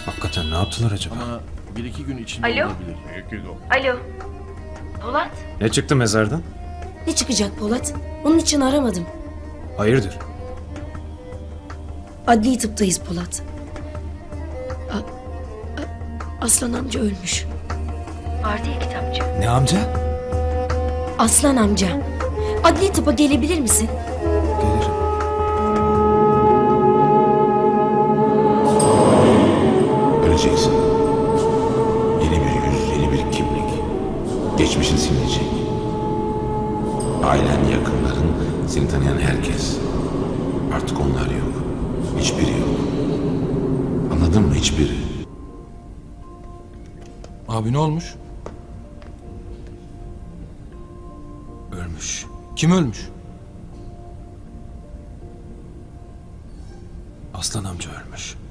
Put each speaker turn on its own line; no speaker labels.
Hakikaten ne yaptılar acaba?
Ama bir iki gün içinde
Alo?
olabilir.
Alo. Polat.
Ne çıktı mezardan?
Ne çıkacak Polat? Onun için aramadım.
Hayırdır?
Adli tıptayız Polat. Aslan amca ölmüş.
Ardiye kitapçı.
Ne amca?
Aslan amca. Adli tıpa gelebilir misin?
Gelirim.
Öleceksin. Yeni bir yüz, yeni bir kimlik. Geçmişin silinecek. Ailen, yakınların, seni tanıyan herkes. Artık onlar yok. Hiçbiri yok. Anladın mı? Hiçbiri.
Abi ne olmuş?
Ölmüş.
Kim ölmüş?
Aslan amca ölmüş.